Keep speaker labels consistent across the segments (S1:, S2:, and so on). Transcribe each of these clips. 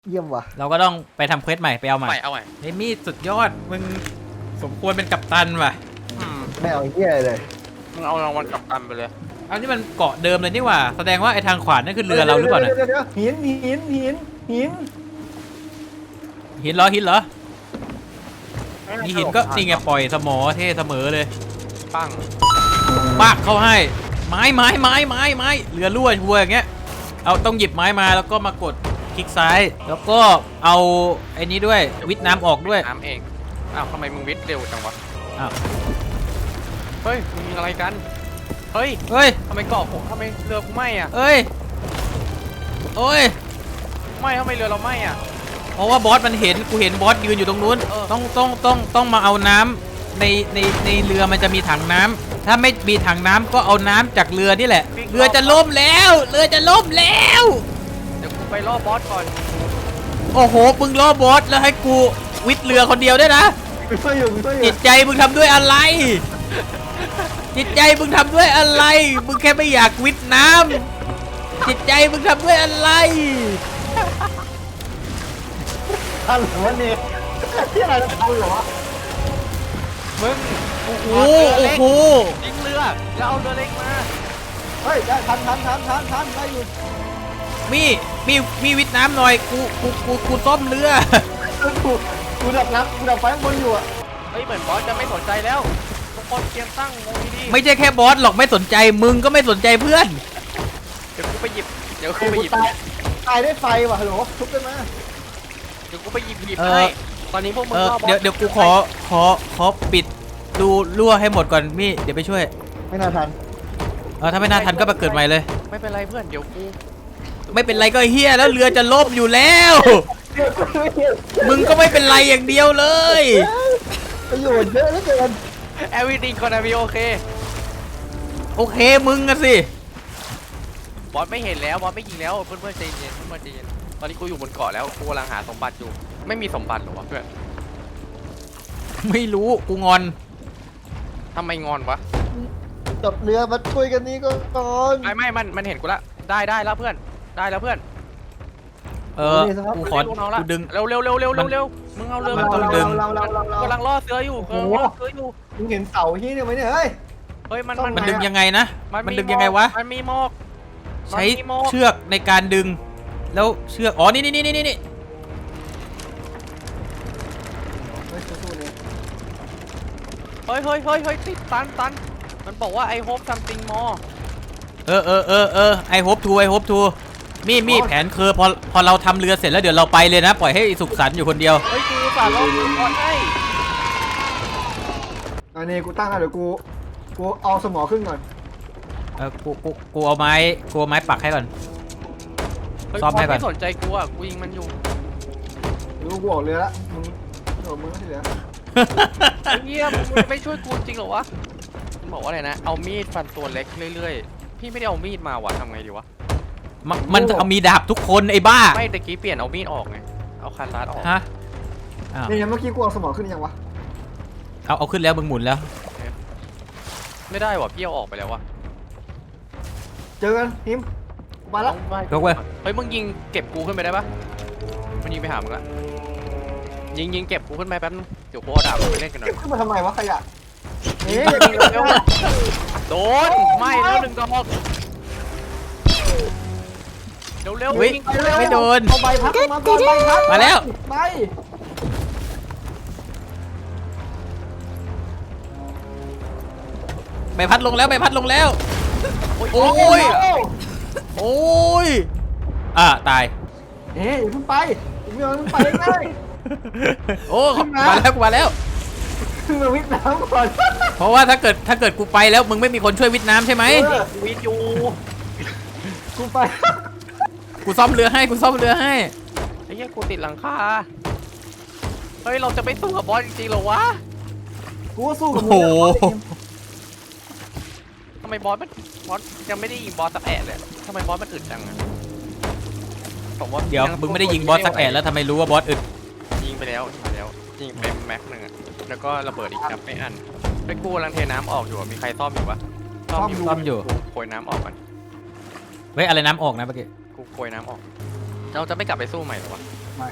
S1: เยี่ยมว่ะ
S2: เราก็ต้องไปทำเควสใหม่ไปเอาใหม่
S3: เอาใหม่
S2: เฮ้ยมีดสุดยอดมึงสมควรเป็นกัปตันว่ะ
S1: ไม่เอาเหี้ยเลย
S3: มึงเอารางวัลกลับกันไปเลย
S2: เอานี่มันเกาะเดิมเลยนี่หว่าแสดงว่าไอ้ทางขวานั่นคือเรือเราหรือเปล่าเนี่ย
S1: เดี๋ยวหิน
S2: หินเหรอมีหินก็นี่ไงปล่อยสมอเท่เสมอเลย
S3: ปั้ง
S2: ปากเข้าให้ไม้เรือรั่วชัวร์อย่างเงี้ยเอาต้องหยิบไม้มาแล้วก็มากดคลิกซ้ายแล้วก็เอาไอ้นี้ด้วยวิทน้ำออกด้วย
S3: น้ำเองอ้าวทำไมมึงวิทย์เร็วจังวะ
S2: อ้าว
S3: เฮ้ยมึงมีอะไรกันเฮ้ย
S2: เฮ้ย
S3: ทำไมเกาะผมทำไมเรือกูไหม้อ่ะ
S2: เอ้ยโอ้ย
S3: ไม่ทำไมเรือเราไหม้อ่ะ
S2: เพราะว่าบอสมันเห็นกูเห็นบอสยืนอยู่ตรงนู้น
S3: เออ
S2: ต้องมาเอาน้ำในเรือมันจะมีถังน้ำถ้าไม่มีถังน้ำก็เอาน้ำจากเรือนี่แหละเรือจะล่มแล้วเรือจะล่มแล้ว
S3: เดี๋ยวกูไปล่อบอสก่อน
S2: โอ้โหมึงล่อบอสแล้วให้กูวิทย์เรือคนเดียวด้วยนะ
S1: มึงช่วยอยู่
S2: จิตใจมึงทำด้วยอะไร จิตใจมึงทำด้วยอะไรมึงแค่ไม่อยากวิทย์น้ำจิตใจมึงทำด้วยอะไร
S1: ทันหรือวะเนี่ยที่อะไรจะคุยเหรอวะ
S3: มึง
S2: โอ้โห
S3: เรือ
S2: โอ้
S3: เล็ก
S2: โห
S3: ยิงเรือแล้วเอาเรือเล็กมา
S1: เฮ้ยได้ทันได้อยู่
S2: มีวิทย์น้ำหน่อยกูซ่อมเรือ
S1: กูดับไฟข้างบนอยู่อ่ะ
S3: เฮ้ยเหมือนบอสจะไม่สนใจแล้วทุกคนเตรียมตั้งวงดีๆ
S2: ไม่ใช่แค่บอสหรอกไม่สนใจมึงก็ไม่สนใจเพื่อน
S3: เดี๋ยวกูไปหยิบ
S1: กูตายได้ไฟว่ะฮัลโหลทุบได้ไหม
S3: เดี๋ยวกูไปหยิบ
S2: เออ
S3: ให้ตอนนี้พวกมึงล่อบอส
S2: เดี๋ยวกูขอปิดดูรั่วให้หมดก่อนมี่เดี๋ยวไปช่วย
S1: ไม่น่าทัน
S2: ถ้าไม่น่าทันก็ไปเกิดใหม่เลย
S3: ไม่เป็นไรเพื่อนเดี๋ยวกู
S2: ไม่เป็นไรก็เฮียแล้วเรือจะล่มอยู่แล้ว มึงก็ไม่เป็นไรอย่างเดียวเลย
S1: ประโยชน์เยอะเหลือเกิน
S3: everything gonna be okay
S2: โอเคมึงอะสิ
S3: บอสไม่เห็นแล้วบอสไม่ยิงแล้วเพื่อนๆใจเย็นเพื่อนๆใจเย็นตอนนี้กูอยู่บนเกาะแล้วกูกำลังหาสมบัติอยู่ไม่มีสมบัติหรอวะเพื่อน
S2: ไม่รู้กูงอน
S3: ทำไมงอนวะ
S1: จับเรือมาช่วยกันนี้ก็ก่อน
S3: ไม่มันเห็นกูละได้แล้วเพื่อนได้แล้วเพื่อน
S2: กูขอ
S3: ลูกน้องละ
S2: กูดึง
S3: เร็วมึงเอาเรือ
S2: มันต้องดึง
S1: เรา
S3: กำลังล่อเสืออยู่
S1: มึงเห็นเสาที่นี่ไหมเนี่ยเฮ้ย
S3: เฮ้ยมัน
S2: มันดึงยังไงนะมันดึงยังไงวะ
S3: มันมีหมอก
S2: ใช้เชือกในการดึง แล้วเชือกอ๋อนี่
S1: เฮ้ยสู้ๆเลย
S3: เฮ้ยติดตันมันบอกว่าไอโฮปซัมติงมอ
S2: ไอโฮปทูมีแผนคือพอเราทำเรือเสร็จแล้วเดี๋ยวเราไปเลยนะปล่อยให้สุขสันต์อยู่คนเดียว
S3: เฮ้ยกูสารล่อเสือก่อนให้
S1: อันนี้กูตั้งแล้วเดี๋ยวกูเอาสมอขึ้นก่อน
S2: กูเอาไม้ปักให้ก่อน ซ่อมให้ก่อน
S3: ไม่สนใจกูอ่ะกูยิงมันอยู่
S1: รู้กูออกเรือละมึงที่เหลือ
S3: ไอ้เหี้ยมึงไม่ช่วยกูจริงเหรอวะมันบอกว่าอะไรนะเอามีดฟันตัวเล็กเรื่อยๆพี่ไม่ได้เอามีดมาวะทำไงดีวะ
S2: มันเอามีดาบทุกคนไอ้บ้า
S3: ไม่ตะกี้เปลี่ยนเอามีดออกไงเอาคาตาร์ออก
S2: ฮะอ้าว
S1: เนี่ยเมื่อกี้กูเอาสมอขึ้นยังวะ
S2: เอาขึ้นแล้วมึงหมุนแล้ว
S3: ไม่ได้วะพี่เอาออกไปแล้ววะ
S1: เจอกันทิมกูมาแล้ว
S2: ยกเว้ย
S3: เฮ้ยมึงยิงเก็บกูขึ้นไปได้ปะมันยิงไปหามึงละยิงเก็บกูขึ้นไปแป๊บนึงเดี๋ยวกูเอาดาบไปเล่นกันหน่อ
S1: เก็
S3: ย
S1: บขึ้นมาทำไมวะขยะนี่
S3: เร็วโดนไม่แล้ว1 ดอกเร็ว
S2: เฮ้ย
S3: ยิง
S2: ไม่โดน
S1: เอาใบพัดมาก่อนใบพัด
S2: มาแล้ว
S1: ใบ
S2: ใบพัดลงแล้ว โอ้ย โอ้ยตาย
S1: เฮ้ยอย่าเพิ่งไปผมไม่เอาเพิ่งไปง่าย
S2: โอ้
S1: ขึ้นมา
S2: มาแล้ว
S1: ขึ้นมาวิทย์น้ำก่อน
S2: เพราะว่าถ้าเกิดกูไปแล้วมึงไม่มีคนช่วยวิทย์น้ำใช่ไหม
S3: วิทย์อยู่
S1: กูไป
S2: กูซ่อมเรือให้
S3: ไอ้เหี้ยกูติดหลังคาเฮ้ยเราจะไม่สู้กับบอสจริงๆเหรอวะ
S1: กูสู้กับ
S2: โอ้
S1: มึง
S2: โห
S3: ทำไมบอสยังไม่ได้ยิงบอสสักแอะเลยทำไมบอสมันอึดจังอะผมว่า
S2: เดี๋ยวมึงไม่ได้ยิงบอสสักแอะแล้วทำไมรู้ว่าบอสอึด
S3: ยิงไปแล้วยิงไปแม็กหนึ่งอะแล้วก็ระเบิดอีกครับไม่อันไปกูกำลังเทน้ำออกอยู่อะมีใครซ่อมอยู่ปะ
S2: ซ่อมอยู่
S3: กูโกยน้ำออกก่อน
S2: เฮ้ยอะไรน้ำออกนะเมื่อกี้
S3: กูโกยน้ำออกเราจะไม่กลับไปสู้ใหม่หรอวะ
S1: มไม่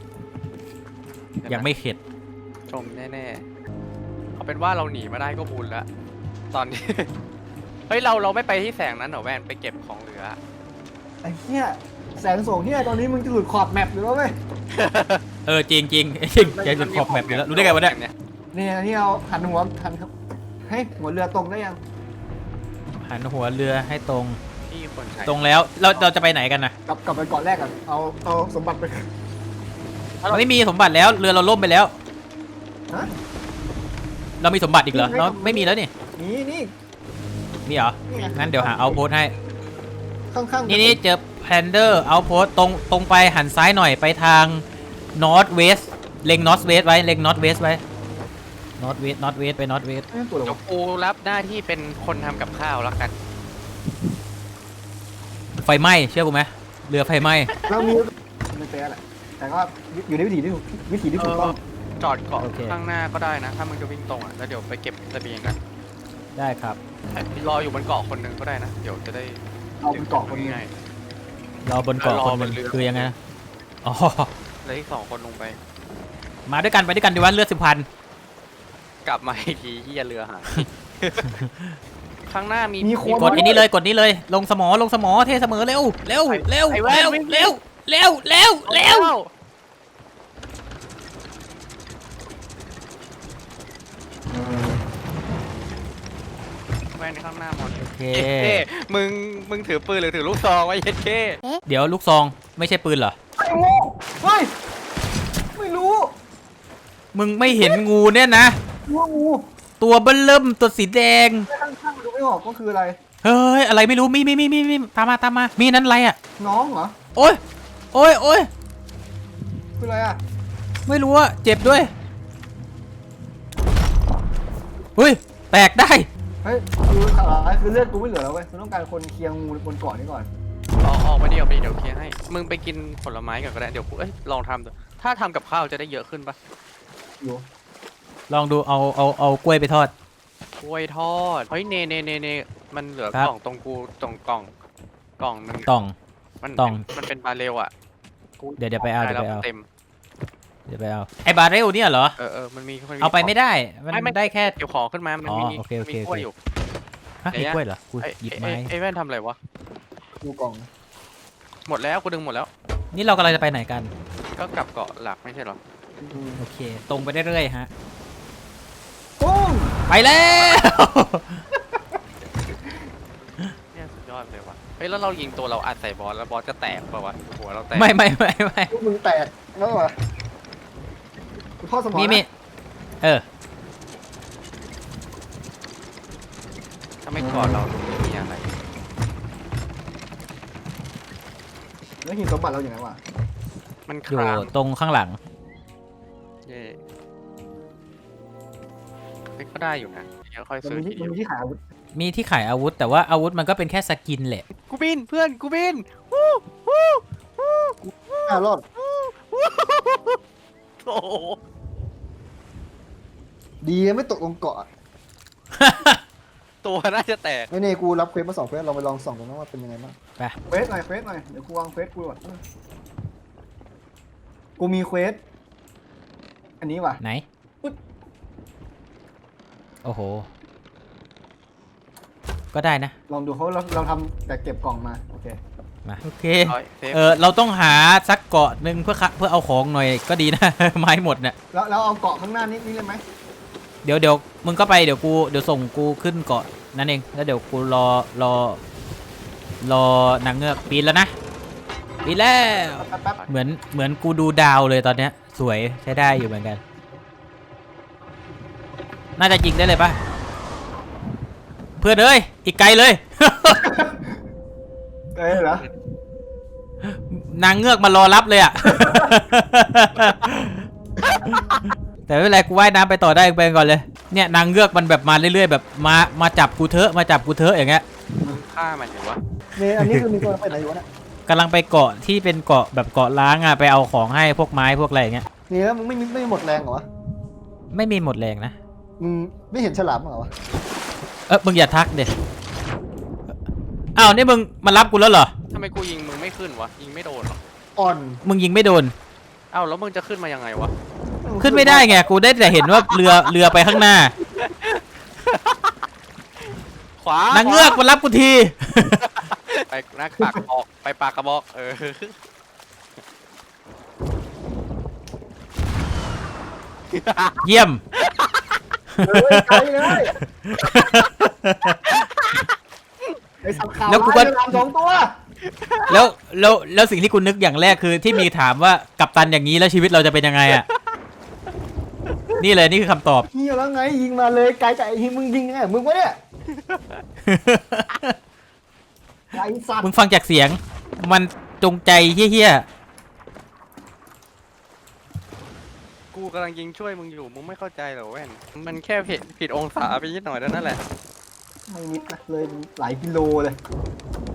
S2: ยังไม่เข็ด
S3: ชมแน่ๆเอาเป็นว่าเราหนีมาได้ก็บุญแล้วตอนนี้ เฮ้ยเราไม่ไปที่แสงนั้นเหรอแวนไปเก็บของเหลือ
S1: ไอ้เหี้ยแสงส่งเหี้ยตอนนี้มึงจะหลุดขอบแมปอยู่แล้วเว้ย
S2: จริงจริงแกหลุดขอบแมปอยู่แล้วรู้ได้ไงวะเนี่ย
S1: เนี่ยอันนี้เอาหันหัวหันครับให้หัวเรือตรงได้ยัง
S2: หันหัวเรือให้ตรง
S3: ที่คนใช้
S2: ตรงแล้วเราจะไปไหนกันนะ
S1: กลับไปเกาะแรกก่อนเอาสมบัติไป
S2: เราไม่มีสมบัติแล้วเรือเราล่มไปแล้ว
S1: ฮะ
S2: เรามีสมบัติอีกเหรอเราไม่มีแล้วนี่
S1: นี่
S2: มีเหรอ
S1: ไง
S2: งั้นเดี๋ยวหาเอาโพสให้
S1: ข้างๆ
S2: นี่เจอแพนเดอร์เอาโพสตรงไปหันซ้ายหน่อยไปทาง north west เล็ง north west ไว้เล็ง north west ไว้ north west ไป north west
S1: ไม่ตัวหร
S3: เดี๋ย
S1: อ
S3: วกูรับหน้าที่เป็นคนทำกับข้าวแล้วกัน
S2: ไฟไหม้เชื่อกูไหมเรือไฟไหม้
S1: เรามีไม่เป๊ะแหละแต่ก็อยู่ในวิถีที่ถูกต้อง
S3: จอดเกาะข้างหน้าก็ได้นะ ถ้ามึงจะวิ่งตรงอ่ะแล้วเดี๋ยวไปเก็บเสบียงกัน
S2: ได้ครับ
S3: รออยู่บนเกาะคนหนึ่งก็ได้นะ เดี๋ยวจะได้
S1: เอาเป็นเกาะคนนี้
S3: ง่าย
S2: รอบนเกาะคนหนึง
S3: รอบนเรือ
S2: คือยังไงนะอ๋อ
S3: ๆแล้วอีก2 คนลงไป
S2: มาด้วยกันไปด้วยกันดีวะเลือด10,000
S3: กลับมาอีกทีที่เรือหาย ข้างหน้ามี
S2: กดอันนี้เลยลงสมอเทเสมอเร็วเร็ว
S3: แว่นข้างหน้ามอน
S2: โอเค
S3: เย้มึงถือปืนหรือถือลูกซองไว้เย็ดเก้
S2: เดี๋ยวลูกซองไม่ใช่ปืนเหรอ
S1: ไอ้โง่เฮ้ยไม่รู้
S2: มึงไม่เห็นงูเนี่ยนะ
S1: ว่างู
S2: ตัวเบิ้ลเริ่มตัวสีแดง
S1: ข้างๆดูไม่ออกก็คืออะไร
S2: เฮ้ยอะไรไม่รู้มีตามมามีนั้นอะไรอ่ะ
S1: น้องเหรอ
S2: โอ้ย
S1: คืออะไรอ่ะ
S2: ไม่รู้อ่ะเจ็บด้วยเฮ้ยแตกได้
S1: เฮ้ยคือข่าวร้ายคือเลือดกูไม่เหลือแล้วเว้ยกูต้องการคนเคลียร์งูบนเกาะนี้ก่อน
S3: ออกไปเดี๋ยวเคลียร์ให้ มึงไปกินผลไม้ก่อนก็ได้ เดี๋ยวกูลองทำดูถ้าทำกับข้าวจะได้เยอะขึ้นปะ
S1: อยู่
S2: ลองดูเอากล้วยไปทอด
S3: กล้วยทอด เฮ้ยเนมันเหลือ
S2: ครับ
S3: กล่องตรงกูตรงกล่องนึง
S2: ต่อง
S3: มัน
S2: ต่อง
S3: มันเป็นบาเรลอ่ะ
S2: เดี๋ยวไปเอา
S3: ด้แล้วเต็ม
S2: ไอ้บาเรลเนี่ยเหรอ
S3: มันมี
S2: เอาไปไม่ได้มัน
S3: ไม่
S2: ได้แค่
S3: เกี่ยวของขึ้นมามัน
S2: อ๋อ
S3: มี
S2: โอเค
S3: มีกล้วยอยู่
S2: ฮะ
S3: ไหน
S2: มี
S3: อะ
S2: กล้วยเหรอกู
S3: ไอ้
S2: หยิบไม้
S3: ไอ้แว่นทำอะไรวะ
S1: ดูกล่อง
S3: หมดแล้วกูดึงหมดแล้ว
S2: นี่เรากำลังจะไปไหนกัน
S3: ก็กลับเกาะหลักไม่ใช่เหรอ
S2: โอเค ตรงไปเรื่อยๆฮะ
S1: ปุ้ง
S2: ไปแล้ว
S3: เนี่ยสุดยอดเลยวะเฮ้ยแล้วเรายิงตัวเราอัดใส่บอสแล้วบอสจะแตกเปล่าวะหัวเราแตก
S2: ไม่
S1: ลูกมึงแตกแล้วเหรอกูทอดสมอง
S2: มี
S1: นะ
S3: ถ้าไม่กอดเราไม่มีอะไร
S1: แล้วหินสมบัติเราอย่างไรวะ
S3: มัน
S2: อยู่
S3: คลาง
S2: ตรงข้างหลัง
S3: เย่เฮ้ยก็ได้อยู่นะเดี๋ยวค่อย
S1: มัน
S3: ซื้อ
S1: มี
S3: ที
S1: ที่
S3: เดียว
S1: มันมีที่ขายอาวุธ
S2: มีที่ขายอาวุธ แต่ว่าอาวุธมันก็เป็นแค่สกินแหละ
S3: กูบินเพื่อนกูบินวู้วู้วู้
S1: รอด
S3: โอ้โห
S1: ดีไม่ตกลงเกาะ
S3: ตัวน่าจะแตก
S1: ไม่เน่กูรับเควสมา2เควสเราไปลองส่องกันว่าเป็นยังไงบ้าง
S2: ไป
S1: เควสหน่อยเดี๋ยวกูวางเควสกูก่อนกูมีเควสอันนี้ว่ะ
S2: ไหน
S1: อุ๊ย
S2: โอ้โห ก็ได้นะ
S1: ลองดูเขาเราทำแต่เก็บกล่องมาโอเค
S2: มาโอเค
S3: ร้อยเซฟ
S2: เราต้องหาสักเกาะหนึ่งเพื่อเอาของหน่อยก็ดีนะ ไม้หมดเนี่ย
S1: แล้วเอาเกาะข้างหน้านี้เลยไหม
S2: เดี๋ยวมึงก็ไปเดี๋ยวส่งกูขึ้นเกาะนั่นเองแล้วเดี๋ยวกูรอนางเงือกปีนแล้วนะปีนแล้ว
S1: แป๊บ
S2: เหมือนกูดูดาวเลยตอนเนี้ยสวยใช้ได้อยู่เหมือนกัน น่าจะยิงได้เลยปะเพื่อนเอ้ยอีกไกลเลย
S1: เหรอน
S2: างเงือกมารอรับเลยอ่ะ แต่ไม่เป็นไรกูว่ายน้ำไปต่อได้ไปก่อนเลยเนี่ยนางเงือกมันแบบมาเรื่อยๆแบบมาจับกูเถอะอย่างเงี้ย
S3: ฆ่ามันหรือวะ
S1: เนี่ยอันนี้คือมีตัวไปไหนอยู่เนี่ย
S2: กำลังไปเกาะที่เป็นเกาะแบบเกาะล้างอ่ะไปเอาของให้พวกไม้พวกอะไรอย่างเงี้ย
S1: นี่แล้วมึงไม่หมดแรงเหรอวะ
S2: ไม่มีหมดแรงนะ
S1: มึงไม่เห็นฉลามเหรอวะ
S2: มึงอย่าทักเด็อ้าวนี่มึงมารับกูแล้วเหรอ
S3: ทำไมกูยิงมึงไม่ขึ้นวะยิงไม่โดนหรอ
S1: อ่อน
S2: มึงยิงไม่โดน
S3: เอ้าแล้วมึงจะขึ้นมายังไงวะ
S2: ขึ้นไม่ได้ไงกูได้แต่เห็นว่าเรือไปข้างหน้า
S3: ขวาน
S2: างเงือกมารับกูที
S3: ไปนักปากกระบอกไปปากกระบอก
S2: เยี่ยม
S1: เฮ้ยไกลเลยไอ้สับขาว
S2: แล้วกูก็
S1: ร้ายเรือดำ2 ตัว
S2: แล้วสิ่งที่กูนึกอย่างแรกคือที่มีถามว่ากัปตันอย่างนี้แล้วชีวิตเราจะเป็นยังไงอ่ะ นี่เลยนี่คือคำตอบ
S1: เฮียแล้วไงยิงมาเลยไกลจากไอ้ที่มึงยิงไงมึงวะเนี่ยไอ้สัต
S2: มึง
S1: ว์
S2: ฟังจากเสียง มันจงใจเฮี้ย
S3: กูกำลังยิงช่วยมึงอยู่มึงไม่เข้าใจเหรอแว่นมันแค่ผิดองศาไปนิดหน่อยเท่านั้นแหละ
S1: ไม่นิดนะเลยหลายกิโลเลย